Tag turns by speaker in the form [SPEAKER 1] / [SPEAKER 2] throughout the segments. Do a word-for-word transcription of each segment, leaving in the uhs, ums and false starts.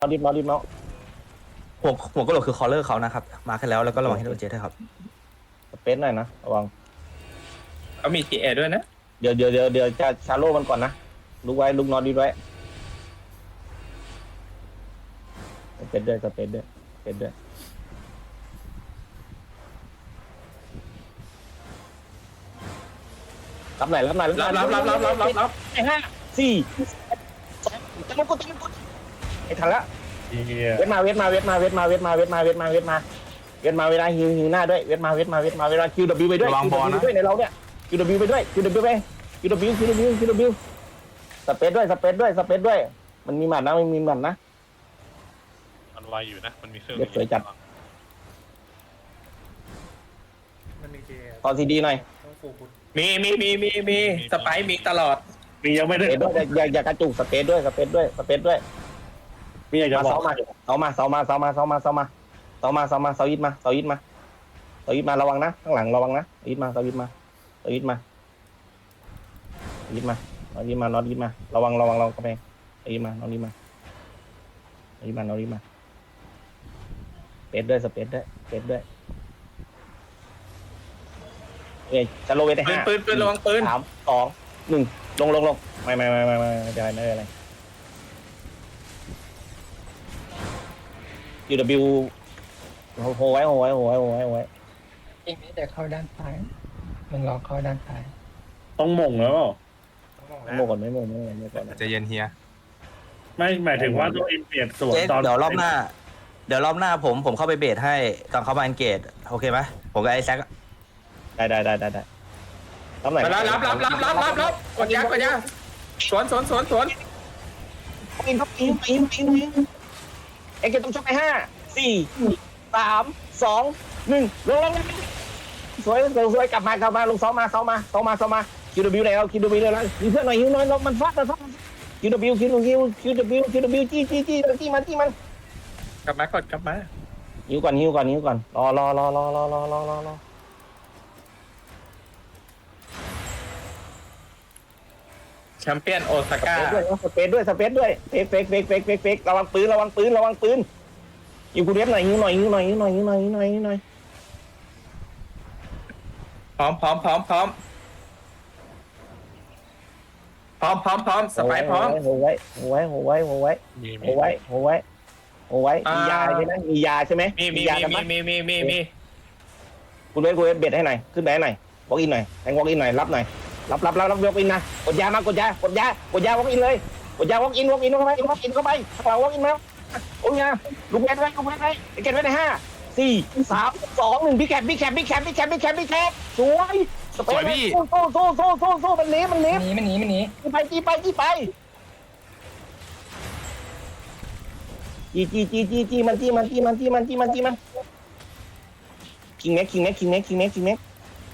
[SPEAKER 1] เอาดิบเอาดิบเอา
[SPEAKER 2] หัวหัวกระโหลกคือคอลเลอร์เขานะครับมาขึ้นแล้วแล้วก็ระวังให้โดนเจด้วยครับ
[SPEAKER 1] สเปซหน่อยนะระวัง
[SPEAKER 3] เขามีทีเอด้วยนะ
[SPEAKER 1] เดี๋ยวเดี๋ยวเดี๋ยวเดี๋ยวจะชาโลมันก่อนนะลุกไว้ลุกนอนดีไว้สเปซด้วยสเปซด้วยสเปซด้วยรับไหนรับไหน
[SPEAKER 3] รับรับรับรับรับรับรับ
[SPEAKER 1] ไอ้ห้าสี่สองจะลุกก็จะลุกก็ไอ้ทันละเวทมาเวทมาเวทมาเวทมาเวทมาเวทมาเวทมาเวทมาเวทมาเวลาหิวหิวหน้าด้วยเวทมาเวทมาเวทมาเวลา คิว ดับเบิลยู ไปด้วย
[SPEAKER 2] ระวังบอลนะ
[SPEAKER 1] คิว ดับเบิลยู ด้วยในเราเนี่ย คิว ดับเบิลยู ไปด้วย คิว ดับเบิลยู ไป คิว ดับเบิลยู คิว ดับเบิลยู คิว ดับเบิลยู สเปซด้วยสเปซด้วยสเปซด้วยมันมีหมัดนะมันมีหมัดนะ
[SPEAKER 4] มันไวอยู่นะ มันมีเครื่อง
[SPEAKER 1] เด็กสวยจัด
[SPEAKER 5] มันมีเจ
[SPEAKER 1] ตอนซีดีหน่อย
[SPEAKER 5] ต้องฟูบุญ
[SPEAKER 3] มีมีมีมีมีสไปร์มีตลอด
[SPEAKER 6] มียังไม่
[SPEAKER 1] ส
[SPEAKER 6] ได้
[SPEAKER 1] เปซด้วยอย่าอย่ากระจุกสเปซด้วยสเปซด้วยสเปซด้วย
[SPEAKER 6] มีอยากจะ
[SPEAKER 1] มา
[SPEAKER 6] บอ
[SPEAKER 1] เสาก มาเสามาเสามาเสามาเสามาเสามาเสามาเสามาเสายิดมาเสายิดมาเสายิดมาระวังนะข้างหลังระวังนะเสายิดมาเสายิดมาเสายิดมาเสายิดมาเสายิดมานอนยิดมาระวังระวังระวังกระแพงเสายิดมานอนยิดมาเสายิดมานอนยิดมาสเปซด้วยสเปซด้วยสเปซด้วยเอ้ยจะโลเวทได้
[SPEAKER 3] ปืน
[SPEAKER 1] ห้า
[SPEAKER 3] ปืนปืนระวังปืน
[SPEAKER 1] สามสองหนึ่งลงลงลงไม่ไม่ไม่ไม่ไม่ไม่เป็นไรไม่เป็นไร ยู ดับเบิลยู โหไว้โหไว้โหไว้โหไว้โหไว้
[SPEAKER 7] อีกนิดจะเข้าด้านซ้ายมันรอเข้าด้านซ้าย
[SPEAKER 6] ต้องหม่งแล้วเปล่า
[SPEAKER 5] ต้องมอง
[SPEAKER 1] ไม่โมก่อนไม่โมไม่โมไม่ก่อน
[SPEAKER 2] ใจเย็นเฮีย
[SPEAKER 6] ไม่หมายถึงว่าตัวเองเปลี่ยนส่วน
[SPEAKER 2] เจ๊
[SPEAKER 6] ตอน
[SPEAKER 2] เดี๋ยวรอบหน้า เดี๋ยวรอบหน้าผมผมเข้าไปเบสให้ตอนเขามาอันเกตโอเคไหมผมกับไอ้แซค
[SPEAKER 1] ได้ได้ได้ได้ได้รับไหน
[SPEAKER 3] มาแล้วรับรับรับรับรับรับกดยากดยาสวนสวนสวนสวน
[SPEAKER 1] อินครับอินอินอินอินเอ็งเกตต้องชกไปห้าสี่สามสองหนึ่งลงลงสวยสวยสวยกลับมากลับมาลงซ้อมมาซ้อมมาซ้อมมาซ้อมมา คิว ดับเบิลยู แล้ว คิว ดับเบิลยู แล้วยิงเพื่อนหน่อยยิงหน่อยมันฟาดมันฟาด คิว ดับเบิลยู คิว ดับเบิลยู คิว ดับเบิลยู คิว ดับเบิลยู จี้จี้จี้จี้มันจี้มัน
[SPEAKER 3] กลับมากดกลับมา
[SPEAKER 1] หิวก่อนหิวก่อนหิวก่อนรอรอรอรอรอรอรอรอรอ
[SPEAKER 3] แชมเปี้ยนโอซาก้า
[SPEAKER 1] สเปซด้วยสเปซด้วยเฟกเฟกเฟกเฟกเฟกเฟกระวังปืนระวังปืนระวังปืนยิงกูเรียบหน่อยยิงหน่อยยิงหน่อยยิงหน่อยยิงหน่อยยิงหน่อยยิงหน่อย
[SPEAKER 3] พร้อมพร้อมพร้อมพร้อมพร้อมพร้อมพร้อมสไปร์พร้อม
[SPEAKER 1] โหไว้โหไว้โหไว้โหไว้
[SPEAKER 4] มี
[SPEAKER 1] โห
[SPEAKER 4] มี
[SPEAKER 1] ไว้โหไว้โหไว้
[SPEAKER 3] อ่ามี
[SPEAKER 1] มียาใช่ไหมมียาใช่ไหม
[SPEAKER 3] มีมี
[SPEAKER 1] ยากัน
[SPEAKER 3] มี
[SPEAKER 1] ปะ
[SPEAKER 3] มีมีมีมี
[SPEAKER 1] คุณเวทคุณเวทเบ็ดให้หน่อยขึ้นไปให้หน่อยวอล์กอินหน่อยแทงวอล์กอินหน่อยรับหน่อยรับรับรับรับวอล์กอินนะกดยามากดยากดยากดยาวอล์กอินเลยกดยาวอล์กอินวอล์กอินเข้าไปวอล์กอินเข้าไปข้างหลังวอล์กอินแล้วโอ้ยลูกเวทไว้ลูกเวทไว้เก็บไว้ในห้าสี่สามสองหนึ่งพี่แคปพี่แคปพี่แคปพี่แคปพี่แคปพี่แคปสวยสเปซโซ่โซ่โซ่โซ่โซ่โซ่มันหนีมันหนี
[SPEAKER 7] หนีมันหนีมันหนี
[SPEAKER 1] ไปจีไปจีไปจีจีจีจีจีมันจีมันจีมันจีมันจีมันจีมันคิงเน็กคิงเน็กคิงเน็กคิงเน็กคิงเน็ก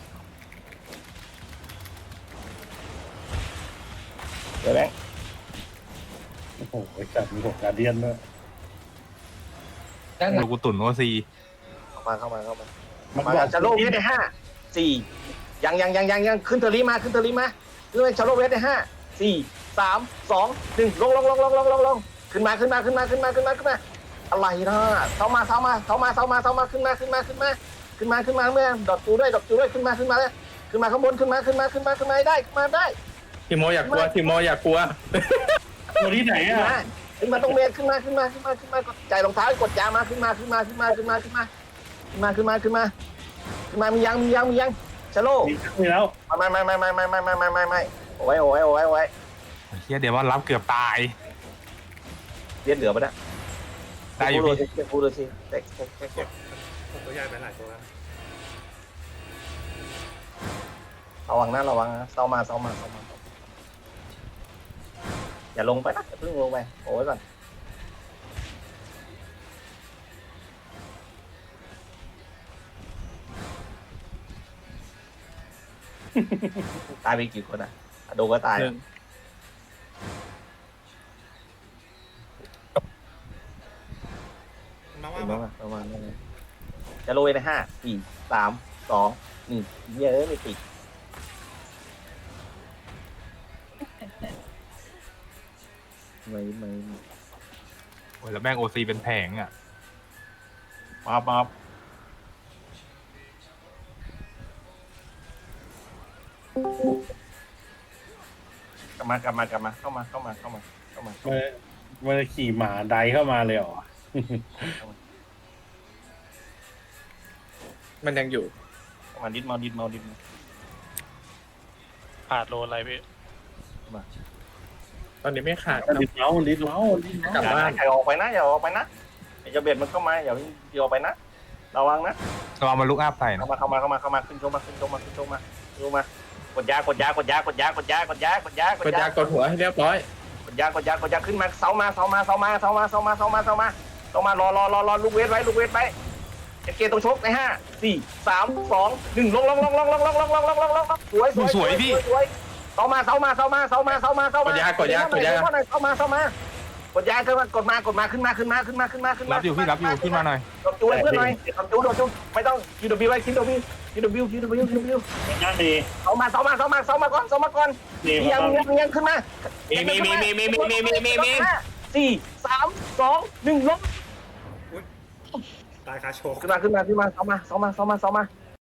[SPEAKER 1] เดี๋ยวแบงค์
[SPEAKER 6] โอ้โหจัดมีหกการเดียนด้วย
[SPEAKER 7] ด้านหลั
[SPEAKER 2] ลู
[SPEAKER 7] ง
[SPEAKER 2] กตุ่นโอซี
[SPEAKER 1] เข้ามาเข้ามาเข้ามา
[SPEAKER 6] มัน
[SPEAKER 1] มา
[SPEAKER 6] บอก
[SPEAKER 1] ชาโลเวสได้ห้าสี่ยังยังยังยังยังขึ้นเทอรี่มาขึ้นเทอรี่มาขึ้นไปชาโลเวสได้ห้าสี่สามสองหนึ่งลงลงลงลงลงลงลงขึ้นมาขึ้นมาขึ้นมาขึ้นมาขึ้นมาขึ้นมาอะไรนะเท้ามาเท้ามาเท้ามาเท้ามาเท้ามาขึ้นมาขึ้นมาขึ้นมาขึ้นมาขึ้นมาเมื่อดอกจูด้วยดอกจูด้วยขึ้นมาขึ้นมาเลยขึ้นมาข้างบนขึ้นมาขึ้นมาขึ้นมาขึ้นมาได้ขึ้นมาได้
[SPEAKER 3] ทีโมอยากกลัวทีโมอยากกลัว
[SPEAKER 6] ตัวที่ไหน
[SPEAKER 1] ขึ้น
[SPEAKER 6] อ่ะ
[SPEAKER 1] มาขึ้นมาตรงเมนขึ้นมาขึ้นมาขึ้นมาขึ้นมากดใจรองเท้ากดยามาขึ้นมาขึ้นมาขึ้นมาขึ้นมาขึ้นมาขึ้นมาขึ้นมาขึ้นมาขึ้นมามียังมียังมียังชาโล
[SPEAKER 6] มีมีแล้ว
[SPEAKER 1] ไม่ไม่ไม่ไม่ไม่ไม่ไม่ไม่ไม่ไม่โอ้ยโอ้ยโอ้ยโอ้ย
[SPEAKER 2] เฮียเดี๋ยวว่ารับเกือบตาย
[SPEAKER 1] เลียนเหลือปะเนี่ย
[SPEAKER 2] ได้อยู่
[SPEAKER 1] พูด
[SPEAKER 2] พี่
[SPEAKER 1] ดูสิพูดดูสิเด็กเด็กเด็กเด็ก
[SPEAKER 5] ผมตัวใหญ่ไปหลายตัวแล้ว
[SPEAKER 1] ระวังนะระวังนะเศร้ามาเศร้ามาเศร้ามาอย่าลงไปนะอย่าเพิ่งลงไปโอ้ยก่อนตายไปกี่คนอ่ะโดก็ตาย
[SPEAKER 3] หนึ่ง
[SPEAKER 5] มาว่า
[SPEAKER 1] เห็นไหมประมาณนั้นจะโรยในห้าสี่สามสองหนึ่งเยอะไม่ติดไม่ไม่
[SPEAKER 2] โอ้
[SPEAKER 8] แล้วแม่งโอซีเป็นแผงอ่ะ
[SPEAKER 6] มาบมาบ
[SPEAKER 1] กลับมากลับมากลับมาเข้ามาเข้ามาเข้ามาเข้ามา
[SPEAKER 6] มันมันขี่หมาไดเข้ามาเลยเหรอ
[SPEAKER 3] มันยังอยู่
[SPEAKER 1] เข้ามาดิดเมาดิดเมาดิดเมา
[SPEAKER 4] ขาดโลอะไรพี่
[SPEAKER 3] ตอนนี้ไม่ขาด
[SPEAKER 6] ลิดเมาส์ลิดเมาส์ลิดเมาส์
[SPEAKER 3] กลับ
[SPEAKER 1] อย่า
[SPEAKER 3] บ้าน
[SPEAKER 1] อย่าออกไปนะอย่าออกไปนะอย่าจะเบ็ดมันเข้ามาอย่าอย่าออกไปนะระวังนะ
[SPEAKER 8] เราเอามาลุกอัพใส่นะ
[SPEAKER 1] เข้ามาเข้ามาเข้ามาเข้ามาขึ้นโชว์มาขึ้นโชว์มาขึ้นโชว์มาขึ้นโชว์มากดยากดยากดยากดยากดยากดยากดยาก
[SPEAKER 3] กดยากดหัวให้เรียบร้อย
[SPEAKER 1] กดยากดยากดยาขึ้นมาเสามาเสามาเสามาเสามาเสามาเสามาเสามาเสามารอรอรอรอลูกเวทไว้ลูกเวทไว้เอเกตรงชกในห้าสี่สามสองหนึ่งลงลงลงลงลงลงลงลงลงลงลงสวยสวยสวยพี่เสามาเสามาเสามาเสามาเสามาเสามาก
[SPEAKER 3] ดยากดยากดยา
[SPEAKER 1] เสามาเสามากดยาขึ้นมากดมากดมาขึ้นมาขึ้นมาขึ้นมาขึ้นมาขึ้นมา
[SPEAKER 8] รับอยู่พี่รับอยู่ขึ้นมาหน่อย
[SPEAKER 1] กดจูให้เพื่อนหน่อยกดจูโดดจูไม่ต้องคิวดับบิวไว้คิวดับบิวคิวดับบิวคิวดับบิวคิวดับบิว
[SPEAKER 6] นั่นดี
[SPEAKER 1] เสามาเสามาเสามาเสามาก่อนเสามาก่อน
[SPEAKER 6] ดี
[SPEAKER 1] ยัง
[SPEAKER 6] มา
[SPEAKER 1] ยังยังขึ้นมา
[SPEAKER 3] มีมีมีมีมีมีมีมีมีมี
[SPEAKER 1] สี่สามสองหนึ่งลบ
[SPEAKER 5] ตายคาโชก
[SPEAKER 1] ขึ้นมาขึ้นมาขึ้นมาเสามาเสามาเสามาเสามา